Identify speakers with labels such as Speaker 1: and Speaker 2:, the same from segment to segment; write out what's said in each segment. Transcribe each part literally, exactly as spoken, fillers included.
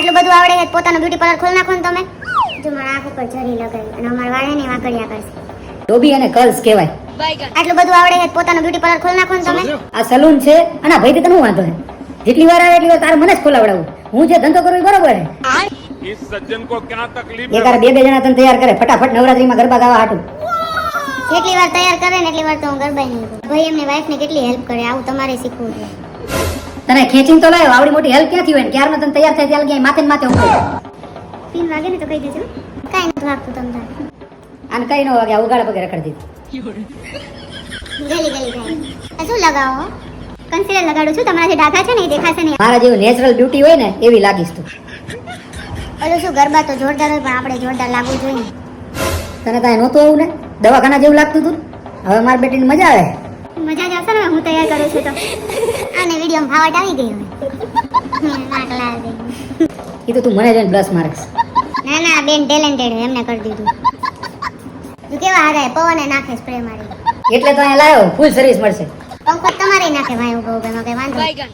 Speaker 1: આટલું બધું આવડે છે પોતાનું બ્યુટી પાર્લર ખોલ નાખો ને તમે. જો મારા આંખ ઉપર જરી લગાવી અને અમાર વાળે ને વાંકડિયા કરશે.
Speaker 2: ટોબી અને કર્લ્સ કહેવાય.
Speaker 1: આટલું બધું આવડે છે પોતાનું બ્યુટી પાર્લર ખોલ નાખો ને તમે.
Speaker 2: આ સલૂન છે અને ભાઈ તને શું વાંધો છે? જેટલી વાર આવે એટલી વાર તારે મને જ ખોલાવડાવું. હું જે ધંધો કરું એ બરોબર છે.
Speaker 3: इस सज्जन को क्या तकलीफ
Speaker 2: એકાર બે બે જણા તને તૈયાર કરે ફટાફટ નવરાત્રીમાં ગરબા ગાવા હાટું.
Speaker 1: જેટલી વાર તૈયાર કરે ને એટલી વાર તો હું ગરબા નહીં કરું. ભાઈ એમની વાઈફને કેટલી હેલ્પ કરે આવું તમારે શીખવું છે.
Speaker 2: તને ખેંચીને તો લાવ્યો આવડી મોટી હેલ્પ ક્યાંથી હોય ને ક્યારનો તને તૈયાર થાય ત્યાં લગી માથે ને માથે ઉભો.
Speaker 1: પીન વાગે ને તો કહી દેજો. કાંઈ નથી વાગતું તમ તારે.
Speaker 2: આને કઈ ન વાગે ઉગાડા પગે રખડી દીધી.
Speaker 1: ગલી ગલી થાય. આ શું લગાવો? કન્સીલર લગાડું છું તમારા જે ડાઘા છે ને એ દેખાશે નહીં.
Speaker 2: મારા જેવું નેચરલ બ્યુટી હોય ને એવી લાગીશ તું.
Speaker 1: ઓલું શું ગરબા તો જોરદાર હોય પણ આપણે જોરદાર લાગવું જોઈએ.
Speaker 2: તને કાંઈ નહોતું આવું ને દવાખાના જેવું લાગતું તું. હવે મારી બેટીને મજા આવે.
Speaker 1: મજા જ આવશે ને હું તૈયાર કરું છું તો. આને વિડીયોમાં ફાવટ આવી ગઈ હવે. નાક લાલ ગઈ.
Speaker 2: એ તો તું મને જોઈને પ્લસ માર્ક્સ.
Speaker 1: ના ના બેન ટેલેન્ટેડ હોય એમને કરી દીધું. તું કેવા હારે પવને નાખે સ્પ્રે મારી.
Speaker 2: એટલે તો અહીંયા લાવ્યો ફૂલ સર્વિસ મળશે.
Speaker 1: પંખો તમારે નાખે ભાઈ ઉભો ઉભો એમાં કઈ વાંધો નહીં.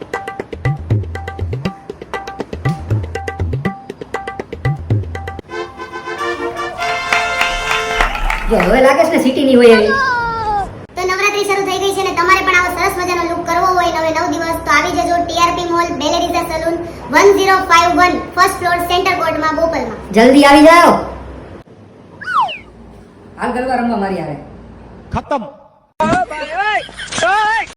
Speaker 2: જો હવે લાગે છે ને સિટી ની હોય એવી.
Speaker 1: તો નવરાત્રી શરૂ થઈ ગઈ છે ને તમારે પણ આવો સરસ મજાનો લુક કરવો હોય નવે નવ દિવસ તો આવી જજો ટીઆરપી મોલ બેલેરીઝા salon one zero five one first floor centre કોર્ટમાં બોપલમાં.
Speaker 2: જલ્દી આવી જાઓ. હાલ ગરબા રમવા મારી આવે.
Speaker 3: खत्म।